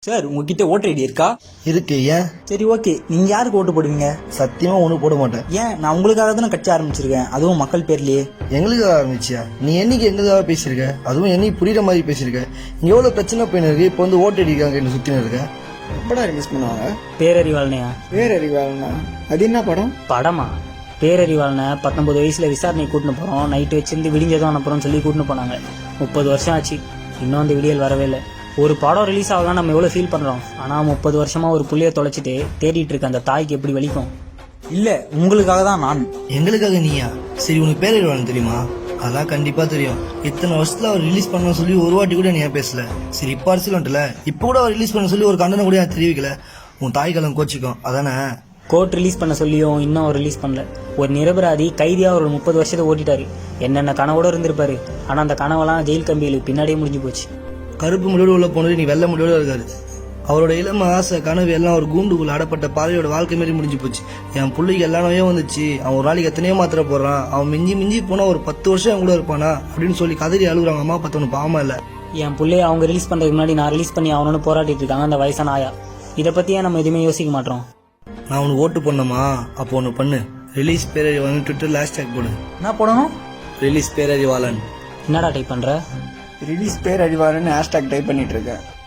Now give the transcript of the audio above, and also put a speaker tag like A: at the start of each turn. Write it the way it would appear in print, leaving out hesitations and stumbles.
A: Sir உங்ககிட்ட voter ID இருக்கா?
B: இருக்கு. ஏன்?
A: சரி ஓகே, நீங்க யாருக்கு ஓட்டு போடுவீங்க?
B: சத்தியமா ஒன்றும் போட மாட்டேன்.
A: ஏன்? நான் உங்களுக்காக தானே கட்சி ஆரம்பிச்சிருக்கேன், அதுவும் மக்கள் பேர்லயே.
B: எங்களுக்காக ஆரம்பிச்சியா? நீ என்னைக்கு எங்களுக்காக பேசியிருக்க? அதுவும் என்னைக்கு புரியுற மாதிரி பேசியிருக்க. இங்க எவ்வளவு பிரச்சனை போயின்னு இருக்கு. இப்போ வந்து ஓட்டு அடிக்காங்க என்ன சுத்தின்னு இருக்க.
C: எப்படா ரிலீஸ் பண்ணுவாங்க?
D: பேரறிவாளனையா?
C: பேரறிவாளனா? அது என்ன படம்?
D: படமா? பேரறிவாளனை 19 வயசுல விசாரணை கூட்டின்னு போறோம், நைட்டு வச்சிருந்து விடிஞ்சதும் அனுப்புறோம்னு சொல்லி கூட்டின்னு போனாங்க. 30 வருஷம் ஆச்சு, இன்னும் அந்த விடியல் வரவே இல்லை. ஒரு படம் ரிலீஸ் ஆகலாம் நம்ம எவ்வளவு ஃபீல் பண்றோம், ஆனா 30 வருஷமா ஒரு புள்ளைய தொலைச்சிட்டு தேடிட்டு இருக்க அந்த தாய்க்கு எப்படி வலிக்கும்?
A: இல்ல, உங்களுக்காக தான் நான்.
B: எங்களுக்காக நீயா? சரி, உனக்கு பேரறிவாளன் தெரியுமா? அதான் கண்டிப்பா தெரியும். இத்தனை வருஷத்துல அவர் ரிலீஸ் பண்ண சொல்லி ஒரு வாட்டி கூட நீ ஏன் பேசல? சரி, இப்ப அரசியல் வந்துல, இப்ப கூட அவர் ரிலீஸ் பண்ண சொல்லி ஒரு கண்டனம் கூட ஏன் தெரிவிக்கல? உன் தாய் கலம் கோச்சிக்கும் அதானே?
D: கோர்ட் ரிலீஸ் பண்ண சொல்லியும் இன்னும் அவர் ரிலீஸ் பண்ணல. ஒரு நிரபராதி கைதியா ஒரு 30 வருஷத்தை ஓட்டிட்டாரு. என்னென்ன கனவோட இருந்திருப்பாரு, ஆனா அந்த கனவெல்லாம் ஜெயில் கம்பிகளுக்கு பின்னாடியே முடிஞ்சு போச்சு.
B: கருப்பு முடிவோடு உள்ள போனது நீ வெள்ளை முடிவோட இருக்காரு. அவரோட இளம ஆசை கனவு எல்லாம் ஒரு கூண்டுக்குள்ள அடப்பட்ட பாறையோட வாழ்க்கை மாரி முடிஞ்சு போச்சு. என் பிள்ளைக்கு எல்லா நோயும் வந்துச்சு, அவன் ஒரு நாளைக்கு எத்தனையோ மாத்திரை போடுறான், அவன் மிஞ்சி மிஞ்சி போனா ஒரு 10 வருஷம் அவன் கூட இருப்பானா அப்படின்னு சொல்லி கதறி அழுகுறாங்க. அம்மா பார்த்தவனு பாவமா இல்ல.
D: என் பிள்ளைய அவங்க ரிலீஸ் பண்றதுக்கு முன்னாடி நான் ரிலீஸ் பண்ணி அவனு போராட்டிட்டு இருக்காங்க அந்த வயசான ஆயா. இதை பத்தியே நம்ம எதுவுமே யோசிக்க மாட்டோம்.
B: நான் உனக்கு ஓட்டு பண்ணமா? அப்போ ஒன்று பண்ணு, ரிலீஸ் பேரறிவாளன் ட்விட்டர்ல ஹேஷ்டேக் போடு.
A: என்ன போடணும்?
B: ரிலீஸ் பேரறிவாளன்.
D: என்னடா டைப் பண்ற?
C: ரிலீஸ் பேரறிவாளன்னு ஹேஷ்டாக் டைப் பண்ணிட்டு இருக்கேன்.